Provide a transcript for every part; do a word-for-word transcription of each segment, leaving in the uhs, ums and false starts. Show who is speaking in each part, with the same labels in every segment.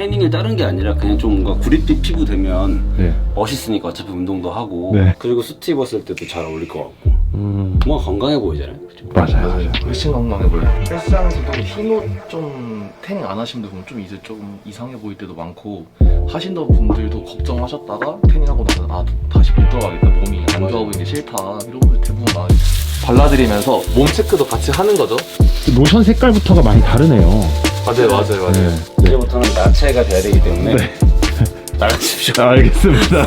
Speaker 1: 태닝을 다른 게 아니라 그냥 좀 뭔가 구릿빛 피부 되면
Speaker 2: 네.
Speaker 1: 멋있으니까 어차피 운동도 하고
Speaker 2: 네.
Speaker 1: 그리고 수트 입었을 때도 잘 어울릴 것 같고
Speaker 2: 음.
Speaker 1: 뭔가 건강해 보이잖아요. 그쵸?
Speaker 2: 맞아요, 맞아요.
Speaker 3: 훨씬 건강해 보여요. 헬스장에서도 흰옷 좀 태닝 안 하신 분들 보면 좀 이제 좀 이상해 보일 때도 많고, 하신던 분들도 걱정하셨다가 태닝하고 나서 아 다시 못 들어가겠다, 몸이 안 좋아 보이는 게 싫다 이런 분들 대부분 많아요. 발라드리면서 몸 체크도 같이 하는 거죠.
Speaker 2: 로션 색깔부터가 많이 다르네요.
Speaker 3: 맞아요, 맞아요, 맞아요.
Speaker 2: 네.
Speaker 1: 이제부터는 나체가 돼야 되기 때문에
Speaker 2: 네.
Speaker 1: 나가십시오.
Speaker 2: 알겠습니다.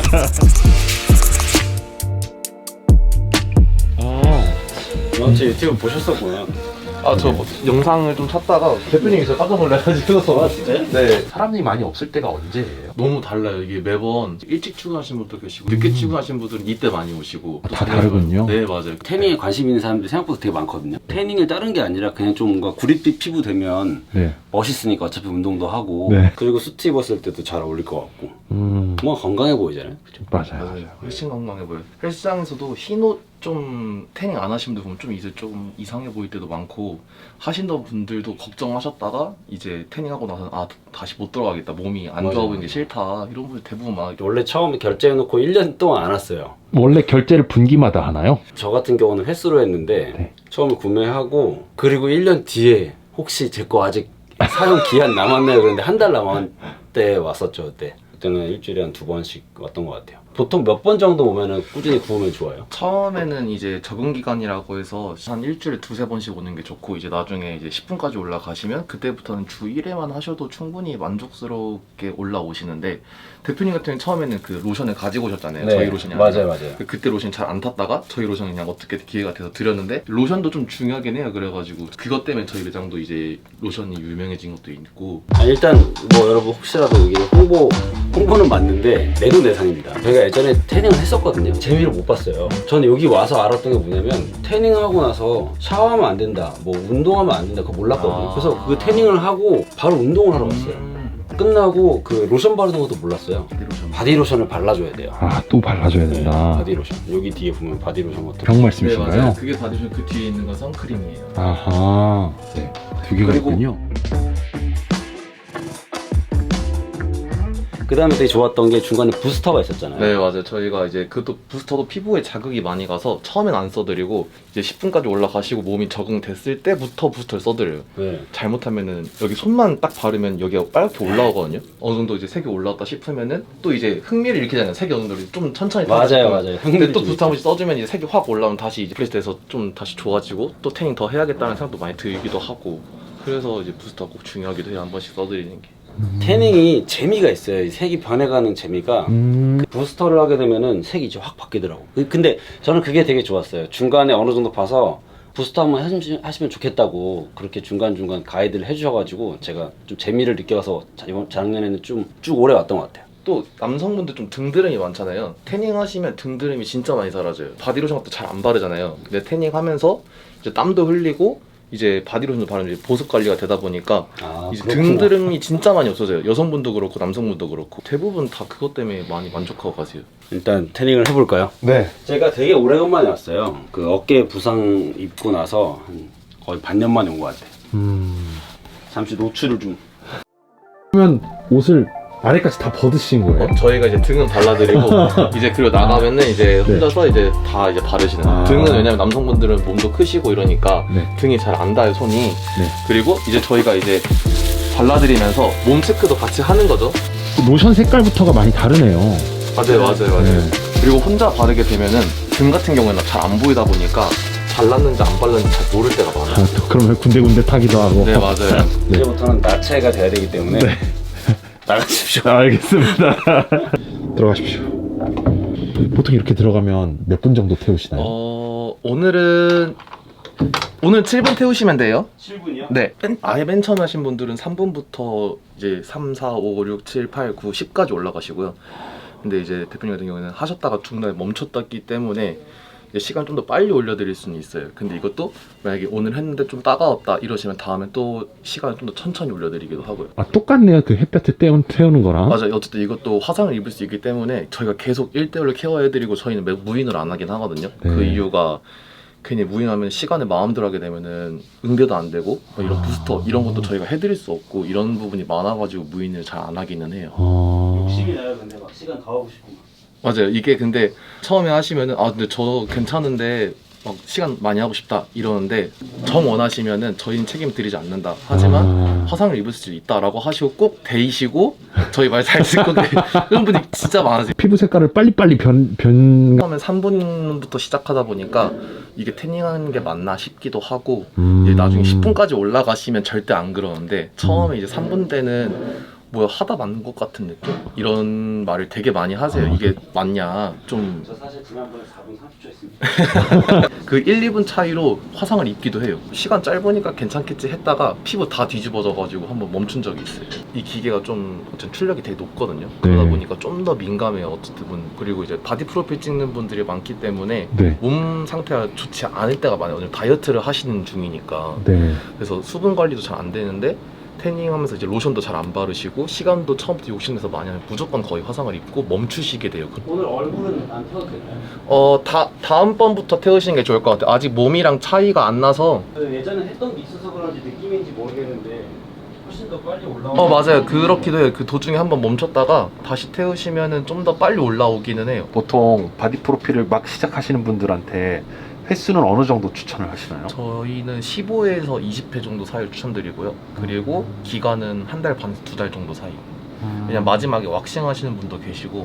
Speaker 2: 아,
Speaker 1: 너 제 유튜브 보셨었구나.
Speaker 3: 아 저 뭐, 영상을 좀 찾다가 대표님이 깜짝 놀라가지고.
Speaker 1: 아 진짜요?
Speaker 3: 네.
Speaker 4: 사람이 많이 없을 때가 언제예요?
Speaker 3: 너무 달라요. 이게 매번 일찍 출근하신 분도 계시고 늦게 출근하신 분들은 이때 많이 오시고 또
Speaker 2: 다
Speaker 3: 저녁에
Speaker 2: 다르군요.
Speaker 3: 네, 맞아요.
Speaker 1: 태닝에 관심 있는 사람들이 생각보다 되게 많거든요. 태닝을 다른 게 아니라 그냥 좀 뭔가 구릿빛 피부 되면
Speaker 2: 네.
Speaker 1: 멋있으니까 어차피 운동도 하고
Speaker 2: 네.
Speaker 1: 그리고 수트 입었을 때도 잘 어울릴 것 같고
Speaker 2: 음,
Speaker 1: 뭔가 건강해 보이잖아요. 그쵸?
Speaker 2: 맞아요.
Speaker 3: 맞아요. 훨씬 건강해 보여요. 헬스장에서도 흰옷 좀 태닝 안 하신 분들 보면 좀 이제 좀 이상해 보일 때도 많고, 하신던 분들도 걱정하셨다가 이제 태닝하고 나서 아 다시 못 들어가겠다, 몸이 안
Speaker 1: 맞아요.
Speaker 3: 좋아 보이는 게 싫다 이런 분들 대부분 많아요.
Speaker 1: 원래 처음에 결제해놓고 일 년 동안 안 왔어요.
Speaker 2: 원래 결제를 분기마다 하나요?
Speaker 1: 저 같은 경우는 횟수로 했는데
Speaker 2: 네.
Speaker 1: 처음에 구매하고 그리고 일 년 뒤에 혹시 제 거 아직 사용 기한 남았나요? 그런데 한 달 남았을 때 왔었죠. 그때 그때는 일주일에 한 두 번씩 왔던 것 같아요. 보통 몇 번 정도 오면은 꾸준히 구우면 좋아요?
Speaker 3: 처음에는 이제 적응 기간이라고 해서 한 일주일에 두세 번씩 오는 게 좋고, 이제 나중에 이제 십 분까지 올라가시면 그때부터는 주 일 회만 하셔도 충분히 만족스럽게 올라오시는데, 대표님 같은 경우는 처음에는 그 로션을 가지고 오셨잖아요. 저희 로션이 아니라.
Speaker 1: 맞아요, 맞아요.
Speaker 3: 그때 로션 잘 안 탔다가 저희 로션 그냥 어떻게 기회가 돼서 드렸는데, 로션도 좀 중요하긴 해요. 그래가지고 그것 때문에 저희 매장도 이제 로션이 유명해진 것도 있고.
Speaker 1: 아, 일단 뭐 여러분 혹시라도 이게 홍보 홍보는 맞는데 내돈내산입니다. 저희가 예전에 태닝을 했었거든요. 재미를 못 봤어요. 저는 여기 와서 알았던 게 뭐냐면 태닝하고 나서 샤워하면 안 된다, 뭐 운동하면 안 된다, 그거 몰랐거든요.
Speaker 3: 아.
Speaker 1: 그래서 그 태닝을 하고 바로 운동을 하러 갔어요.
Speaker 3: 음,
Speaker 1: 끝나고 그 로션 바르는 것도 몰랐어요.
Speaker 3: 로션.
Speaker 1: 바디로션을 발라줘야 돼요.
Speaker 2: 아, 또 발라줘야
Speaker 1: 네,
Speaker 2: 된다.
Speaker 1: 바디로션. 여기 뒤에 보면 바디로션 같은
Speaker 2: 병
Speaker 3: 네,
Speaker 2: 말씀이신가요?
Speaker 3: 맞아요. 그게 받으시면 그 뒤에 있는 건 선크림이에요.
Speaker 2: 아하. 네. 두 개가
Speaker 1: 그리고-
Speaker 2: 있군요.
Speaker 1: 그 다음에 되게 좋았던 게 중간에 부스터가 있었잖아요.
Speaker 3: 네, 맞아요. 저희가 이제 그것도 부스터도 피부에 자극이 많이 가서 처음엔 안 써드리고 이제 십 분까지 올라가시고 몸이 적응됐을 때부터 부스터를 써드려요.
Speaker 1: 네.
Speaker 3: 잘못하면은 여기 손만 딱 바르면 여기가 빨갛게 올라오거든요. 어느 정도 이제 색이 올라왔다 싶으면은 또 이제 흥미를 일으키잖아요. 색이 어느 정도 좀 천천히
Speaker 1: 맞아요,
Speaker 3: 타고
Speaker 1: 맞아요.
Speaker 3: 근데
Speaker 1: 흥미를
Speaker 3: 또
Speaker 1: 좀
Speaker 3: 부스터 한 번씩 써주면 이제 색이 확 올라오면 다시 이제 프레시 돼서 좀 다시 좋아지고 또 태닝 더 해야겠다는 생각도 많이 들기도 하고, 그래서 이제 부스터가 꼭 중요하기도 해요. 한 번씩 써드리는 게.
Speaker 1: 태닝이 재미가 있어요. 이 색이 변해가는 재미가.
Speaker 2: 음,
Speaker 1: 부스터를 하게 되면은 색이 이제 확 바뀌더라고. 그- 근데 저는 그게 되게 좋았어요. 중간에 어느 정도 봐서 부스터 한번 하시면, 하시면 좋겠다고 그렇게 중간중간 가이드를 해주셔가지고 제가 좀 재미를 느껴서 자- 이번 작년에는 좀 쭉 오래 왔던 것 같아요.
Speaker 3: 또 남성분들 좀 등드름이 많잖아요. 태닝 하시면 등드름이 진짜 많이 사라져요. 바디로션 같은 거 잘 안 바르잖아요. 근데 태닝 하면서 이제 땀도 흘리고 이제 바디로션도 바르면 이제 보습 관리가 되다 보니까
Speaker 1: 아,
Speaker 3: 이제
Speaker 1: 그렇구나.
Speaker 3: 등드름이 진짜 많이 없어져요. 여성분도 그렇고 남성분도 그렇고 대부분 다 그것 때문에 많이 만족하고 가세요.
Speaker 1: 일단 태닝을 해볼까요?
Speaker 2: 네.
Speaker 1: 제가 되게 오래간만에 왔어요. 그 어깨 부상 입고 나서 한 거의 반년 만에 온 것 같아요.
Speaker 2: 음.
Speaker 1: 잠시 노출을 좀.
Speaker 2: 그러면 옷을 아래까지 다 벗으신 거예요?
Speaker 3: 어, 저희가 이제 등은 발라드리고 이제 그리고 나가면은 이제 혼자서 이제 다 이제 바르시는 거예요.
Speaker 2: 아.
Speaker 3: 등은 왜냐면 남성분들은 몸도 크시고 이러니까
Speaker 2: 네.
Speaker 3: 등이 잘 안 닿아요, 손이.
Speaker 2: 네.
Speaker 3: 그리고 이제 저희가 이제 발라드리면서 몸 체크도 같이 하는 거죠.
Speaker 2: 로션 색깔부터가 많이 다르네요.
Speaker 3: 맞아요, 맞아요, 맞아요.
Speaker 2: 네.
Speaker 3: 그리고 혼자 바르게 되면은 등 같은 경우에는 잘 안 보이다 보니까 발랐는지 안 발랐는지 잘 모를 때가 많아요.
Speaker 2: 아, 또 그러면 군데군데 타기도 하고.
Speaker 3: 네, 맞아요.
Speaker 2: 네.
Speaker 1: 이제부터는 나체가 돼야 되기 때문에
Speaker 2: 네.
Speaker 1: 나가십시오.
Speaker 2: 알겠습니다. 들어가십시오. 보통 이렇게 들어가면 몇 분 정도 태우시나요?
Speaker 3: 어, 오늘은 오늘 칠 분 태우시면 돼요.
Speaker 1: 칠 분이요?
Speaker 3: 네. 맨, 아예 맨 처음 하신 분들은 삼 분부터 이제 삼, 사, 오, 육, 칠, 팔, 구, 십까지 올라가시고요. 근데 이제 대표님 같은 경우에는 하셨다가 중간에 멈췄기 때문에 이제 시간 좀 더 빨리 올려드릴 수는 있어요. 근데 이것도 만약에 오늘 했는데 좀 따가웠다 이러시면 다음에 또 시간을 좀 더 천천히 올려드리기도 하고요.
Speaker 2: 아, 똑같네요. 그 햇볕에 떼운, 태우는 거랑.
Speaker 3: 맞아요. 어쨌든 이것도 화상을 입을 수 있기 때문에 저희가 계속 일 대일로 케어해드리고 저희는 매- 무인으로 안 하긴 하거든요.
Speaker 2: 네.
Speaker 3: 그 이유가 괜히 무인하면 시간에 마음대로 하게 되면은 응대도 안 되고 뭐 이런 부스터 이런 것도 저희가 해드릴 수 없고 이런 부분이 많아가지고 무인을 잘 안 하기는 해요.
Speaker 2: 어...
Speaker 1: 욕심이 나요. 근데 막 시간 더 하고 싶고.
Speaker 3: 맞아요. 이게 근데 처음에 하시면은 아 근데 저 괜찮은데 막 시간 많이 하고 싶다 이러는데 정 원하시면은 저희는 책임 드리지 않는다. 하지만
Speaker 2: 아...
Speaker 3: 화상을 입을 수 있다라고 하시고 꼭 데이시고 저희 말 잘 듣고 그런 분이 진짜 많으세요.
Speaker 2: 피부 색깔을 빨리빨리 변... 변...
Speaker 3: 처음에 삼 분부터 시작하다 보니까 이게 태닝하는 게 맞나 싶기도 하고
Speaker 2: 음...
Speaker 3: 이제 나중에 십 분까지 올라가시면 절대 안 그러는데 처음에 이제 삼 분 때는 뭐야 하다 맞는 것 같은 느낌? 이런 말을 되게 많이 하세요. 이게 맞냐 좀
Speaker 1: 저 사실 지난번에 사 분 삼십 초 했습니다.
Speaker 3: 그 일, 이 분 차이로 화상을 입기도 해요. 시간 짧으니까 괜찮겠지 했다가 피부 다 뒤집어져가지고 한번 멈춘 적이 있어요. 이 기계가 좀 어쨌든 출력이 되게 높거든요. 그러다
Speaker 2: 네.
Speaker 3: 보니까 좀 더 민감해요. 어쨌든 그리고 이제 바디 프로필 찍는 분들이 많기 때문에
Speaker 2: 네.
Speaker 3: 몸 상태가 좋지 않을 때가 많아요. 오늘 다이어트를 하시는 중이니까.
Speaker 2: 네.
Speaker 3: 그래서 수분 관리도 잘 안 되는데 태닝하면서 이제 로션도 잘 안 바르시고 시간도 처음부터 욕심내서 많이 하면 무조건 거의 화상을 입고 멈추시게 돼요.
Speaker 1: 오늘 얼굴은 안 태워도 될까요?
Speaker 3: 어, 다, 다음번부터 태우시는 게 좋을 것 같아요. 아직 몸이랑 차이가 안 나서.
Speaker 1: 예전에 했던 게 있어서 그런지 느낌인지 모르겠는데 훨씬 더 빨리 올라오고.
Speaker 3: 어, 맞아요. 그렇기도 해요. 그 도중에 한번 멈췄다가 다시 태우시면은 좀 더 빨리 올라오기는 해요.
Speaker 2: 보통 바디 프로필을 막 시작하시는 분들한테 횟수는 어느 정도 추천을 하시나요?
Speaker 3: 저희는 십오 회에서 이십 회 정도 사이를 추천드리고요. 그리고 기간은 한 달 반, 두 달 정도 사이. 그냥 마지막에 왁싱 하시는 분도 계시고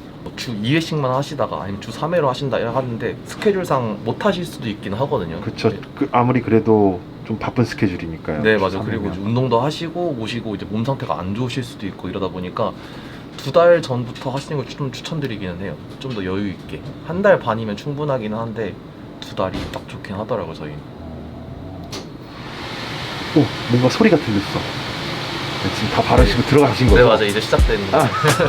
Speaker 3: 주 이 회씩만 하시다가 아니면 주 삼 회로 하신다 하는데 스케줄상 못 하실 수도 있긴 하거든요.
Speaker 2: 그쵸.
Speaker 3: 네.
Speaker 2: 그 아무리 그래도 좀 바쁜 스케줄이니까요.
Speaker 3: 네, 맞아요.
Speaker 2: 삼
Speaker 3: 그리고
Speaker 2: 일이면.
Speaker 3: 이제 운동도 하시고 오시고 이제 몸 상태가 안 좋으실 수도 있고 이러다 보니까 두 달 전부터 하시는 걸 좀 추천드리기는 해요. 좀 더 여유 있게. 한 달 반이면 충분하긴 한데 두 달이 딱 좋긴 하더라고요, 저희는.
Speaker 2: 오, 뭔가 소리가 들렸어. 네, 지금 다 바르시고 들어가신 거죠?
Speaker 3: 네, 맞아요. 이제 시작되는 거.
Speaker 2: 아.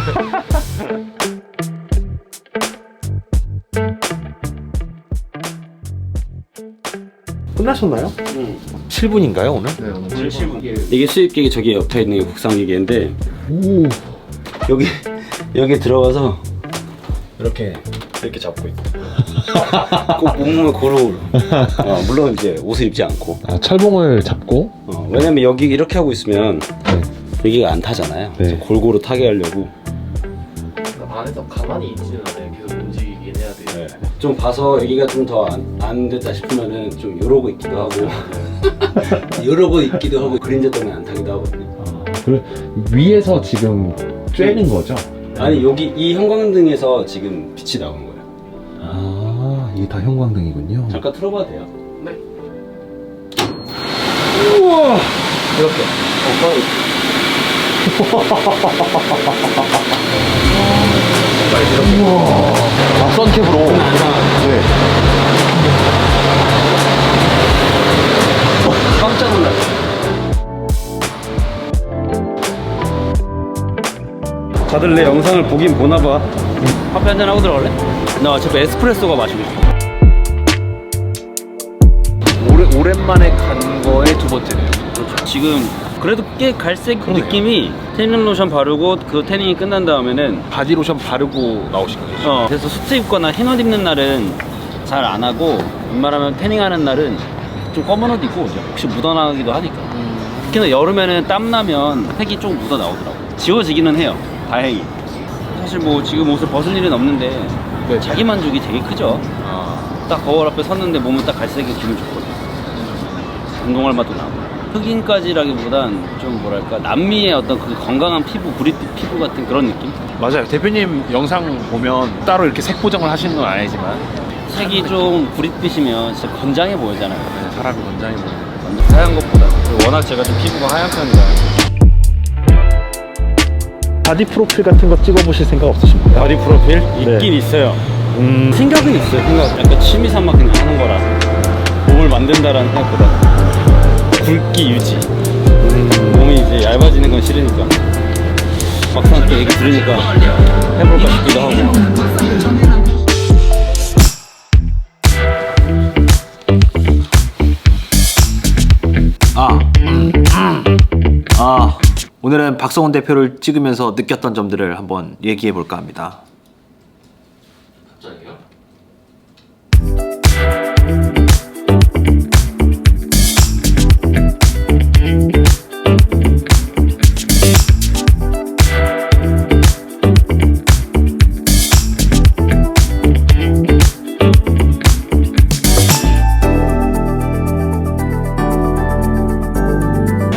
Speaker 2: 끝나셨나요?
Speaker 1: 응.
Speaker 4: 칠 분인가요 오늘?
Speaker 3: 네, 오늘 칠 분.
Speaker 1: 이게 수입기계 저기 옆에 있는 게 국산기계인데
Speaker 2: 오.
Speaker 1: 여기 여기 들어가서 이렇게 이렇게 잡고 있고 꼭 몸을 고루. 어, 물론 이제 옷을 입지 않고.
Speaker 2: 아, 철봉을 잡고.
Speaker 1: 어, 왜냐면 여기 이렇게 하고 있으면
Speaker 2: 네.
Speaker 1: 여기가 안 타잖아요.
Speaker 2: 네.
Speaker 1: 그래서 골고루 타게 하려고.
Speaker 3: 안에서 가만히 있지는 않아요. 계속 움직이긴 해야 돼요.
Speaker 1: 네. 좀 봐서 여기가 좀 더 안 안 됐다 싶으면은 좀 이러고 있기도 하고 이러고 있기도 하고 그림자 때문에 안 타기도 하거든요.
Speaker 2: 아, 그 위에서 지금 쬐는 거죠?
Speaker 1: 아니 여기 이 형광등에서 지금 빛이 나오는 거예요.
Speaker 2: 아, 이게 다 형광등이군요.
Speaker 1: 잠깐 틀어봐도 돼요?
Speaker 3: 네.
Speaker 2: 우와.
Speaker 3: 이렇게.
Speaker 2: 아, 선캡으로. 네.
Speaker 1: 깜짝 놀랐어요. 다들 내 영상을 보긴 보나봐. 커피 한잔 하고 들어갈래? 나 어차피 에스프레소가 마시고 싶어.
Speaker 4: 오래, 오랜만에 간 거에 두 번째네요.
Speaker 1: 그렇죠. 지금 그래도 꽤 갈색 느낌이 태닝 로션 바르고 그 태닝이 끝난 다음에는
Speaker 4: 바디로션 바르고 나오신 거죠?
Speaker 1: 어 그래서 수트 입거나 흰 옷 입는 날은 잘 안 하고 웬만하면 태닝하는 날은 좀 검은 옷 입고 오죠. 혹시 묻어나기도 하니까. 특히나 여름에는 땀 나면 색이 좀 묻어 나오더라고. 지워지기는 해요. 다행히. 사실 뭐 지금 옷을 벗은 일은 없는데
Speaker 4: 네.
Speaker 1: 자기 만족이 되게 크죠.
Speaker 4: 아,
Speaker 1: 딱 거울 앞에 섰는데 몸은 딱 갈색이 기분 좋거든요. 운동할 맛도 나고. 흑인까지라기보단 좀 뭐랄까 남미의 어떤 그 건강한 피부, 구릿빛 피부 같은 그런 느낌?
Speaker 4: 맞아요. 대표님 영상 보면 따로 이렇게 색 보정을 하시는 건 아니지만
Speaker 1: 색이 좀 구릿빛이면 진짜 건장해 보이잖아요.
Speaker 4: 네, 사람이 건장해 보이는.
Speaker 1: 완전 하얀 것보다. 워낙 제가 좀 피부가 하얀 편이라.
Speaker 2: 바디 프로필 같은 거 찍어보실 생각 없으신가요?
Speaker 1: 바디 프로필? 있긴
Speaker 2: 네.
Speaker 1: 있어요.
Speaker 2: 음.
Speaker 1: 생각은 있어요. 생각. 약간 취미 삼아 그냥 하는 거라. 몸을 만든다라는 생각보다 굵기 유지. 몸이 이제 얇아지는 건 싫으니까. 막상 또 얘기 들으니까 해볼까 싶기도 하고.
Speaker 5: 아, 아, 오늘은 박성훈 대표를 찍으면서 느꼈던 점들을 한번 얘기해 볼까 합니다.